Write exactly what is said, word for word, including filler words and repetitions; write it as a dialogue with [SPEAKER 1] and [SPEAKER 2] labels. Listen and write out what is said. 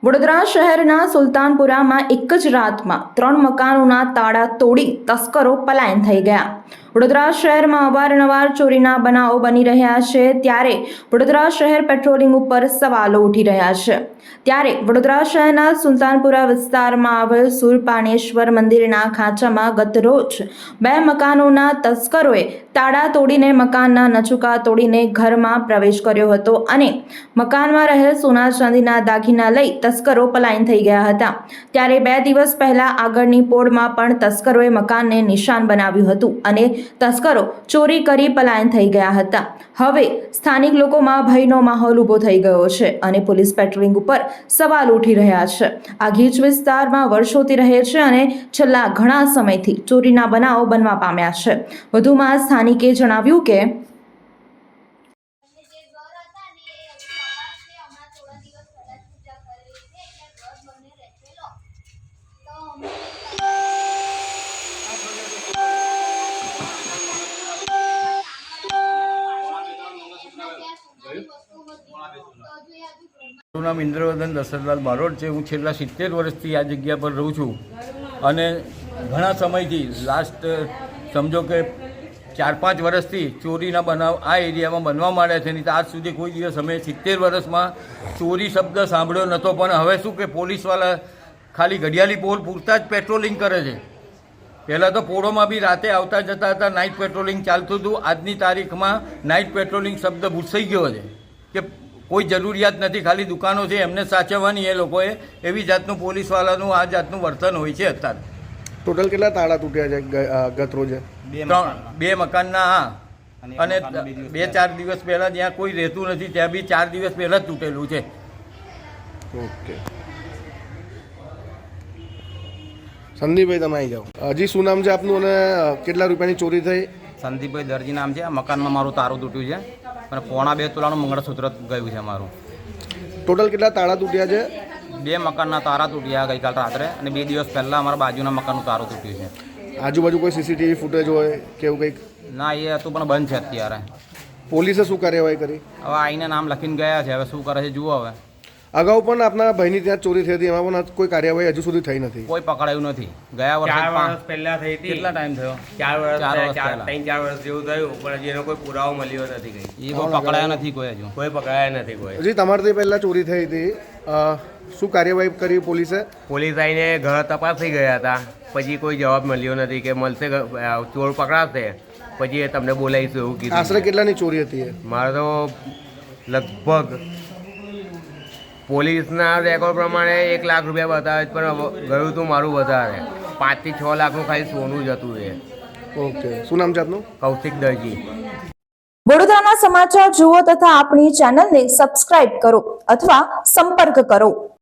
[SPEAKER 1] વડોદરા શહેરના સુલતાનપુરામાં એક જ રાતમાં ત્રણ મકાનોના તાળા તોડી તસ્કરો પલાયન થઈ ગયા। વડોદરા શહેરમાં અવારનવાર ચોરીના બનાવો બની રહ્યા છે, ત્યારે વડોદરા શહેર પેટ્રોલિંગ ઉપર સવાલો ઉઠી રહ્યા છે। ત્યારે વડોદરા શહેરના સુલતાનપુરા વિસ્તારમાં આવેલ સુરપાનેશ્વર મંદિરના ખાંચામાં ગત રોજ બે મકાનોના તસ્કરોએ તાળા તોડીને મકાનના નચુકા તોડીને ઘરમાં પ્રવેશ કર્યો હતો અને મકાનમાં રહેલ સોના ચાંદીના દાગીના લઈ તસ્કરો પલાયન થઈ ગયા હતા। ત્યારે બે દિવસ પહેલા આગળની પોળમાં પણ તસ્કરોએ મકાનને નિશાન બનાવ્યું હતું અને તસ્કરો ચોરી કરી પલાયન થઈ ગયા હતા। હવે સ્થાનિક લોકોમાં ભયનો માહોલ ઊભો થઈ ગયો છે અને પોલીસ પેટ્રોલિંગ ઉપર સવાલ ઉઠી રહ્યા છે। આ ગીચ વિસ્તારમાં વર્ષોથી રહે છે અને છેલ્લા ઘણા સમયથી ચોરીના બનાવો બનવા પામ્યા છે। વધુમાં સ્થાનિકે જણાવ્યું કે
[SPEAKER 2] મારું નામ ઇન્દ્રવર્ધન દશરથલાલ બારોટ છે। હું છેલ્લા સિત્તેર વર્ષથી આ જગ્યા પર રહું છું અને ઘણા સમયથી લાસ્ટ સમજો કે ચાર પાંચ વર્ષથી ચોરીના બનાવ આ એરિયામાં બનવા માંડ્યા છે। નહીં તો આજ સુધી કોઈ દિવસ અમે સિત્તેર વર્ષમાં ચોરી શબ્દ સાંભળ્યો નહોતો, પણ હવે શું કે પોલીસવાળા ખાલી ઘડિયાળી પોલ પૂરતા જ પેટ્રોલિંગ કરે છે। પહેલાં તો પોળોમાં બી રાતે આવતા જતા હતા, નાઇટ પેટ્રોલિંગ ચાલતું હતું। આજની તારીખમાં નાઇટ પેટ્રોલિંગ શબ્દ ભૂસાઈ ગયો છે કે કોઈ જરૂરિયાત નથી, ખાલી દુકાનો છે એમને સાચવવાની એ લોકોએ, એવી જાતનું પોલીસવાળાનું આ જાતનું વર્તન હોય છે અત્યારે।
[SPEAKER 3] ટોટલ કેટલા તાળા તૂટ્યા છે ગત રોજે?
[SPEAKER 2] ત્રણ બે મકાનના, હા, અને બે ચાર દિવસ પહેલાં જ્યાં કોઈ રહેતું નથી ત્યાં બી ચાર દિવસ પહેલાં જ તૂટેલું છે।
[SPEAKER 3] ઓકે, સંદીપભાઈ તમે આવી જાઓ। હજી શું નામ છે આપનું અને કેટલા રૂપિયાની ચોરી થઈ?
[SPEAKER 4] સંદીપભાઈ દરજી નામ છે। આ મકાનમાં મારું તારું તૂટ્યું છે અને પોણા બે તોલાનું મંગળસૂત્ર ગયું છે મારું।
[SPEAKER 3] ટોટલ કેટલા તાળા તૂટ્યા છે?
[SPEAKER 4] બે મકાનના તારા તૂટ્યા ગઈકાલ રાત્રે, અને બે દિવસ પહેલાં અમારા બાજુના મકાનનું તારું તૂટ્યું છે।
[SPEAKER 3] આજુબાજુ કોઈ સીસીટીવી ફૂટેજ હોય કે એવું કંઈક?
[SPEAKER 4] ના, એ હતું પણ બંધ છે અત્યારે।
[SPEAKER 3] પોલીસે શું કાર્યવાહી કરી?
[SPEAKER 4] હવે આઈને નામ લખીને ગયા છે, હવે શું કરે છે જુઓ। હવે
[SPEAKER 3] અગાઉ પણ આપના ભાઈની ત્યાં ચોરી થઈ હતી, એમાં પણ કોઈ કાર્યવાહી હજુ સુધી થઈ નથી?
[SPEAKER 4] કોઈ પકડાયું નથી। ગયા વર્ષે
[SPEAKER 5] ચાર વર્ષ પહેલા થઈ હતી।
[SPEAKER 4] કેટલા ટાઈમ થયો?
[SPEAKER 5] ચાર વર્ષ
[SPEAKER 4] ચાર વર્ષ
[SPEAKER 5] ચાર
[SPEAKER 4] પહેલા.
[SPEAKER 5] ત્રણ ચાર વર્ષ જેવું થયું, પણ હજી એનો કોઈ પુરાવો મળ્યો નથી કઈ।
[SPEAKER 4] એ કોઈ પકડાયા નથી કોઈ હજુ।
[SPEAKER 5] કોઈ પકડાયા નથી કોઈ।
[SPEAKER 3] હજી તમારાથી પહેલાં ચોરી થઈ હતી, અ, શું કાર્યવાહી કરી પોલીસે?
[SPEAKER 5] પોલીસ આવીને ઘર તપાસી ગયા હતા, પછી કોઈ જવાબ મળ્યો નથી કે મળશે, ચોર પકડાશે પછી એ તમને બોલાવીશું એવું કીધું।
[SPEAKER 3] આશરે કેટલાની ચોરી હતી એ?
[SPEAKER 5] મારે તો લગભગ પોલીસના રેકોર્ડ પ્રમાણે એક લાખ રૂપિયા બતાવે છે, પણ ગયું હતું મારું વધારે, પાંચથી છ લાખનું ખાલી સોનું જ હતું એ।
[SPEAKER 3] ઓકે, શું નામ છે આપનું?
[SPEAKER 5] કૌશિક દરજી।
[SPEAKER 1] વડોદરાના સમાચાર જુઓ તથા આપણી ચેનલને સબસ્ક્રાઇબ કરો અથવા સંપર્ક કરો।